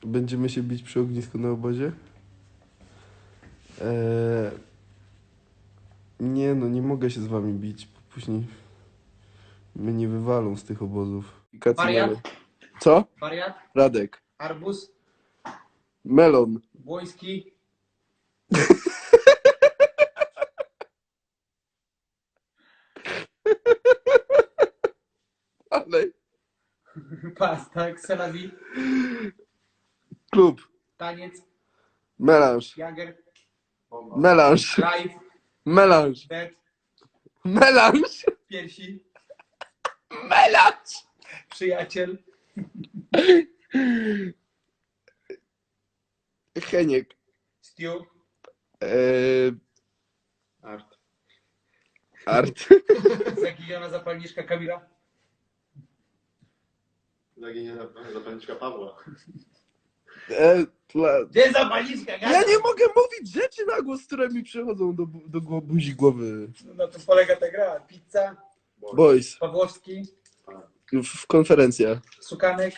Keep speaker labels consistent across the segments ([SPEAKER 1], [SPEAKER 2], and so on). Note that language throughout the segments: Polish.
[SPEAKER 1] Będziemy się bić przy ognisku na obozie? Nie no, nie mogę się z wami bić, bo później mnie nie wywalą z tych obozów.
[SPEAKER 2] Wariat?
[SPEAKER 1] Co?
[SPEAKER 2] Wariat,
[SPEAKER 1] Radek.
[SPEAKER 2] arbuz,
[SPEAKER 1] Melon.
[SPEAKER 2] błoński,
[SPEAKER 1] Ale.
[SPEAKER 2] pasta, kselawi,
[SPEAKER 1] Klub.
[SPEAKER 2] taniec,
[SPEAKER 1] Melanż.
[SPEAKER 2] jager,
[SPEAKER 1] Melanż.
[SPEAKER 2] live,
[SPEAKER 1] Melanż.
[SPEAKER 2] dead,
[SPEAKER 1] Melanż.
[SPEAKER 2] piersi,
[SPEAKER 1] Melanż.
[SPEAKER 2] przyjaciel,
[SPEAKER 1] Heniek.
[SPEAKER 2] stew,
[SPEAKER 3] Art.
[SPEAKER 1] Art.
[SPEAKER 2] zaginiona zapalniczka Kamila,
[SPEAKER 3] Zaginiona zapalniczka Pawła.
[SPEAKER 2] gdzie jest zapalniczka?
[SPEAKER 1] Ja nie mogę mówić rzeczy na głos, które mi przychodzą do buzi głowy.
[SPEAKER 2] Na tym polega ta gra. Pizza,
[SPEAKER 1] Boys.
[SPEAKER 2] Pawłowski,
[SPEAKER 1] W konferencja.
[SPEAKER 2] sukanek,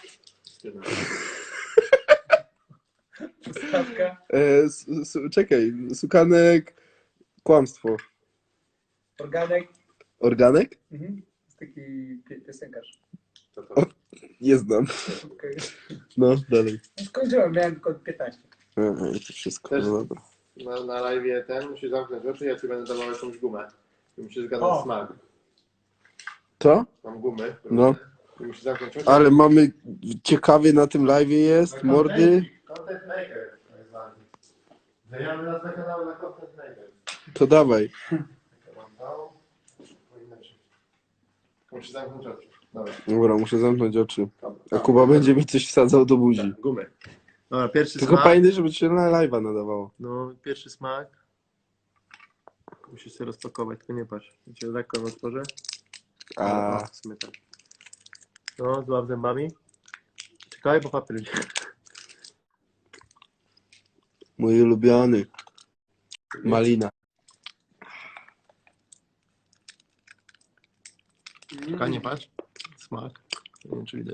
[SPEAKER 2] ustawka,
[SPEAKER 1] Czekaj. Sukanek. Kłamstwo.
[SPEAKER 2] organek.
[SPEAKER 1] Organek?
[SPEAKER 2] Mhm. Jest taki piosenkarz.
[SPEAKER 3] To to.
[SPEAKER 1] Nie znam.
[SPEAKER 2] Okay.
[SPEAKER 1] No, dalej.
[SPEAKER 2] Skończyłem, miałem tylko 15.
[SPEAKER 1] To wszystko.
[SPEAKER 3] Też-
[SPEAKER 1] No dobra.
[SPEAKER 3] Na live ten musisz zamknąć oczy, ja ci będę dawał jakąś gumę. I musisz zgadnąć
[SPEAKER 2] O.
[SPEAKER 3] smak.
[SPEAKER 1] Co?
[SPEAKER 3] Mam gumy.
[SPEAKER 1] No.
[SPEAKER 3] I musisz zamknąć oczy.
[SPEAKER 1] Ale mamy... Ciekawie na tym live jest. Mordy.
[SPEAKER 3] Content maker. Tak zwany. Zmieniamy nas na kanał na content maker.
[SPEAKER 1] To dawaj.
[SPEAKER 3] Musisz zamknąć oczy. Dobra.
[SPEAKER 1] Dobra, muszę zamknąć oczy.
[SPEAKER 3] Dobra.
[SPEAKER 1] A Kuba będzie mi coś wsadzał do buzi.
[SPEAKER 3] Tak, gumy. Dobra, pierwszy
[SPEAKER 1] Tylko
[SPEAKER 3] smak.
[SPEAKER 1] pamiętaj, żeby ci się na live'a nadawało.
[SPEAKER 3] No, pierwszy smak. Musisz sobie rozpakować, tylko nie patrz. Ja cię lekko otworzę.
[SPEAKER 1] A,
[SPEAKER 3] W sumie tak. No, złap zębami. Czekaj, bo papier idzie.
[SPEAKER 1] mój ulubiony. Malina.
[SPEAKER 3] Czekaj, nie patrz. Smak. Nie wiem, czy widać.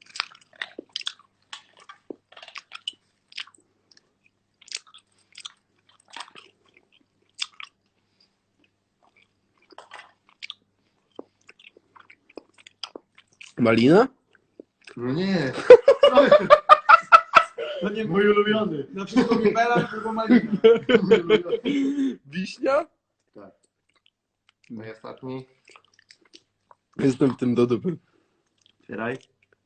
[SPEAKER 1] Malina?
[SPEAKER 3] No nie. To nie mój ulubiony.
[SPEAKER 2] Na przykład mi Bela albo Malina.
[SPEAKER 1] Wiśnia?
[SPEAKER 3] Tak. No i ostatni.
[SPEAKER 1] Jestem w tym do dupy.
[SPEAKER 3] Otwieraj.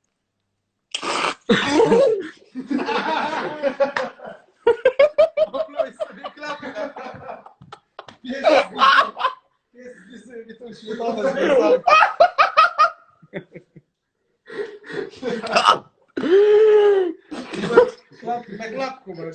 [SPEAKER 2] Opluj sobie klapkę. Jest sobie tą śmietanę związane. Na klapku możesz.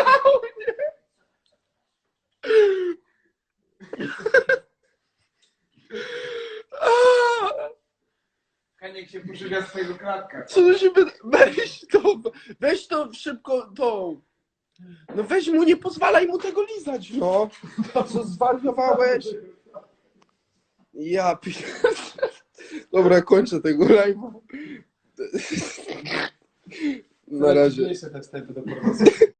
[SPEAKER 2] Kaniek się poszuka swojego klapka.
[SPEAKER 1] Co to się weź to szybko tą. No weź mu, nie pozwalaj mu tego lizać, no. Co, zwariowałeś? Ja Dobra, kończę tego live'a. Na razie.
[SPEAKER 3] Te wstępy do pornosu.